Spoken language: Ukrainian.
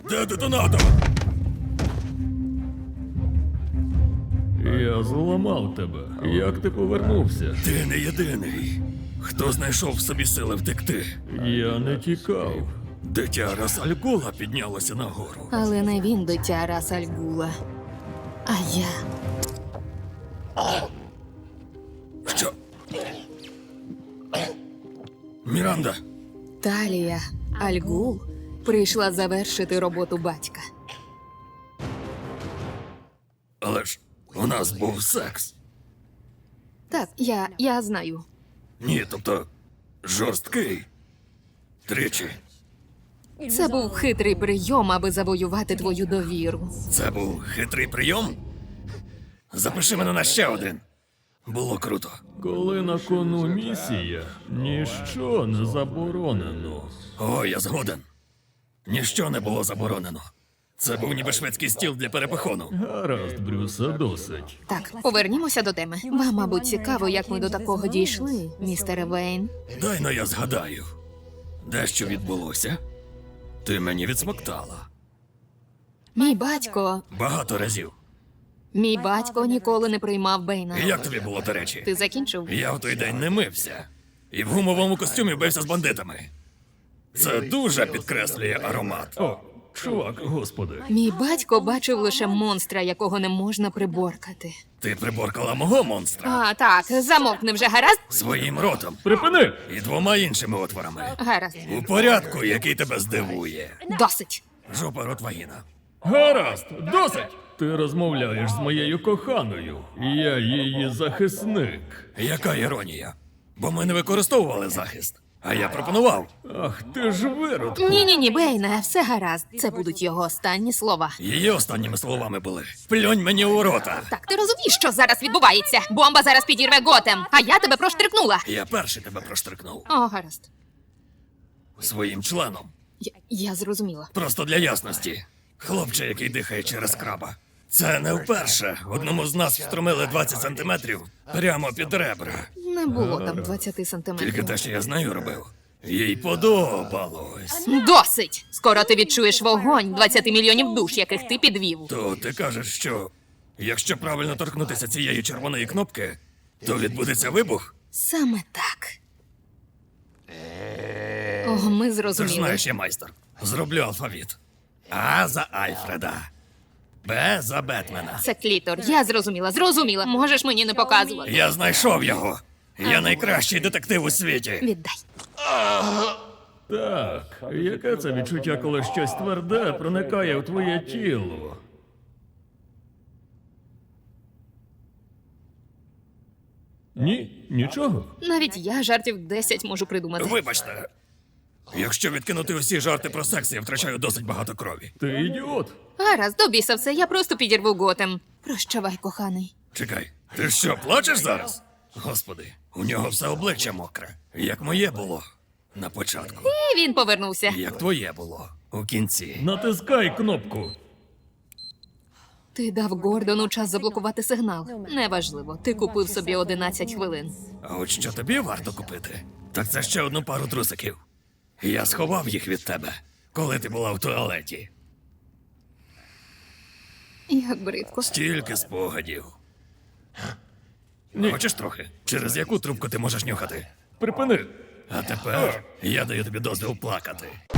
Де детонатор? Я зламав тебе. Як ти повернувся? Ти не єдиний. Хто знайшов в собі сили втекти? Я не тікав. Дитя Рас-аль-Гула піднялося нагору. Але не він дитя Рас-аль-Гула, а я. Що? Міранда, Талія Аль-Гул прийшла завершити роботу батька. але ж у нас був секс. Так, я знаю. Ні, тобто жорсткий. Тричі. Це був хитрий прийом, аби завоювати твою довіру. Це був хитрий прийом? Запиши мене на ще один. Було круто. Коли на кону місія, ніщо не заборонено. О, я згоден. Ніщо не було заборонено. Це був ніби шведський стіл для перепихону. Гаразд, Брюсе, досить. Так, повернімося до теми. Вам, мабуть, цікаво, як ми до такого дійшли, містере Вейн. Дай-но я згадаю. Дещо відбулося. Ти мені відсмоктала. Мій батько. Багато разів. Мій батько ніколи не приймав Бейна. І як тобі було, до речі? Ти закінчив? Я в той день не мився. І в гумовому костюмі бився з бандитами. Це дуже підкреслює аромат. О, чувак, господи. Мій батько бачив лише монстра, якого не можна приборкати. Ти приборкала мого монстра А, так, замовкни вже, гаразд? своїм ротом Припини! і двома іншими отворами. Гаразд. У порядку, який тебе здивує. Досить. Жопа, рот, вагіна. Гаразд, досить! Ти розмовляєш з моєю коханою. Я її захисник. Яка іронія? Бо ми не використовували захист. А я пропонував. Ах, ти ж виродку. Ні, Бейне, все гаразд. Це будуть його останні слова. Її останніми словами були: плюнь мені у рота. Так, ти розумієш, що зараз відбувається? Бомба зараз підірве Готем, а я тебе проштрикнула. Я перший тебе проштрикнув. О, гаразд. Своїм членом. Я зрозуміла. Просто для ясності. Хлопче, який дихає через краба. Це не вперше. Одному з нас встромили 20 сантиметрів прямо під ребра. Не було там 20 Тільки сантиметрів. те, що я з нею робив. Їй подобалось. Досить! Скоро ти відчуєш вогонь 20 мільйонів душ, яких ти підвів. То ти кажеш, що якщо правильно торкнутися цієї червоної кнопки, то відбудеться вибух? Саме так. О, ми Ти ж зрозуміли. знаєш, я майстер. Зроблю алфавіт. А за Альфреда. Б за Бетмена. Це клітор. Я зрозуміла. Можеш мені не показувати. Я знайшов його. Я найкращий детектив у світі. Віддай. Так, яке це відчуття, коли щось тверде проникає в твоє тіло? Ні, нічого. Навіть я жартів 10 можу придумати. Вибачте. Якщо відкинути усі жарти про секс, я втрачаю досить багато крові. Ти ідіот. Гаразд, до біса все, я просто підірву Готем. Прощавай, коханий. Чекай, ти що, плачеш зараз? Господи, у нього все обличчя мокре. Як моє було на початку. І він повернувся. Як твоє було у кінці. Натискай кнопку. Ти дав Гордону час заблокувати сигнал. Неважливо, ти купив собі 11 хвилин. А от що тобі варто купити? Так це ще одну пару трусиків. Я сховав їх від тебе, коли ти була в туалеті. Як бридко. Стільки спогадів. Ні. Хочеш трохи? Через яку трубку ти можеш нюхати? Припини. А тепер я даю тобі дозвіл плакати.